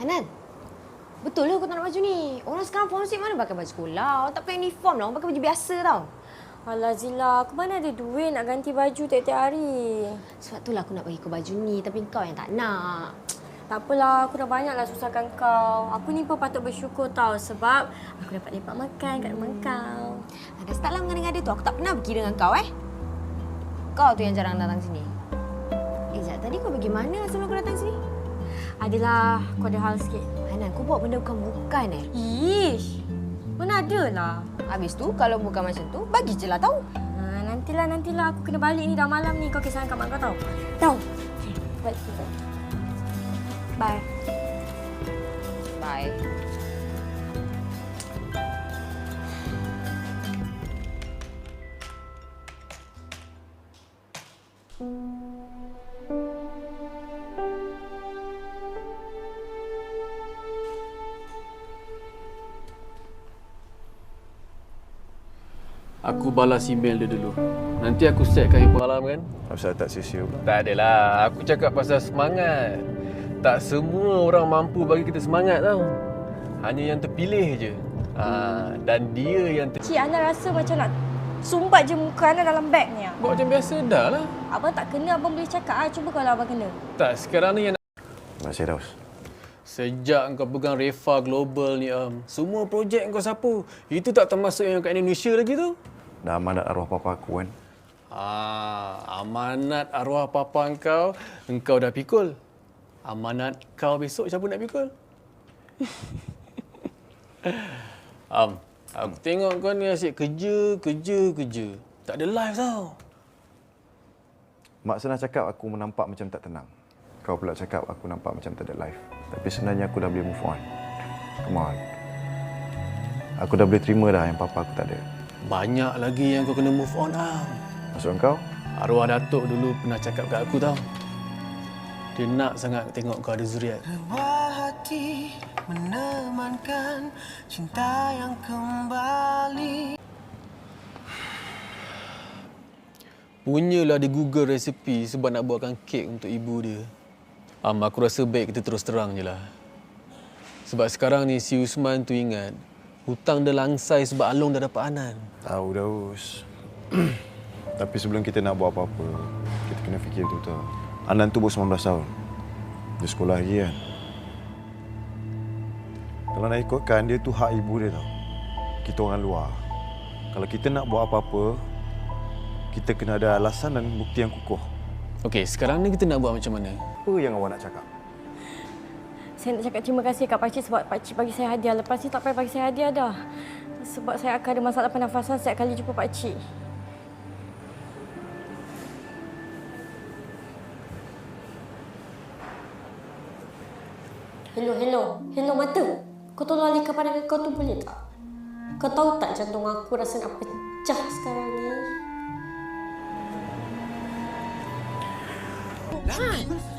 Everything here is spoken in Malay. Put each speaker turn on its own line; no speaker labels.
Hanan, betul lah kau tak nak baju ni. Orang sekarang forensik mana pakai baju sekolah. Orang tak pakai uniform lah. Orang pakai baju biasa tau.
Alah Zila, aku mana ada duit nak ganti baju tiap-tiap hari.
Sebab itulah aku nak bagi kau baju ni. Tapi kau yang tak nak.
Tak apalah, aku dah banyaklah susahkan kau. Aku ni pun patut bersyukur tau sebab aku dapat lepak makan kat rumah kau.
Dah start lah mengada-ngada tu. Aku tak pernah pergi dengan kau Kau tu yang jarang datang sini. Sekejap, tadi kau pergi mana sebelum kau datang sini?
Adalah, aku ada hal sikit.
Hanan, kau buat benda bukan-bukan
Ish, mana ada lah.
Habis tu, kalau bukan macam tu, bagi je lah tau.
Nantilah. Aku kena balik ni dah malam ni. Kau kisahkan kat mak kau tau. Tahu. Balik. Bye.
Bye.
Aku balas email dia dulu. Nanti aku setkan info malam kan?
Asal tak sia-sia pula.
Tak adalah. Aku cakap pasal semangat. Tak semua orang mampu bagi kita semangat tau. Hanya yang terpilih je. Dan dia yang
Cik, anda rasa macam nak sumbat je muka anda dalam beg ni.
buat macam biasa dah lah.
Abang tak kena, abang boleh cakap. Cuba kalau abang kena.
Tak, sekarang ni yang
Terima kasih, Daus.
sejak kau pegang Refa Global ni, semua projek kau sapu. Itu tak termasuk yang kat Indonesia lagi tu.
Dah amanat arwah papa aku kan.
Amanat arwah papa engkau dah pikul. Amanat kau besok siapa nak pikul? Aku tengok kau ni asyik kerja. Tak ada live tau.
Mak senang cakap aku menampak macam tak tenang. Kau pula cakap aku nampak macam tak ada life. Tapi sebenarnya aku dah boleh move on. Come on. Aku dah boleh terima dah yang papa aku tak ada.
Banyak lagi yang kau kena move on,
Maksud kau?
Arwah Datuk dulu pernah cakap kat aku tau. Dia nak sangat tengok kau ada zuriat.
Rebah hati menemankan cinta yang kembali.
Punyalah dia Google resepi sebab nak buatkan kek untuk ibu dia. Aku rasa baik kita terus terang je lah. Sebab sekarang ni si Usman tu ingat hutang dia langsai sebab Along dah dapat Anan.
Tahu, Daus. Tapi sebelum kita nak buat apa-apa, kita kena fikir betul-betul. Anan tu baru 19 tahun. Dia sekolah lagi kan. Kalau nak ikutkan, dia tu hak ibu dia tau. Kita orang luar. Kalau kita nak buat apa-apa, kita kena ada alasan dan bukti yang kukuh.
Okey, sekarang ni kita nak buat macam mana?
Apa yang awak nak cakap?
Saya nak cakap terima kasih kat pakcik sebab pakcik bagi saya hadiah. Lepas ni tak payah bagi saya hadiah dah. Sebab saya akan ada masalah pernafasan setiap kali jumpa pakcik. Hello mata. Kau tolong alihkan pandangan kau tu boleh tak? Kau tahu tak jantung aku rasa nak pecah sekarang ni?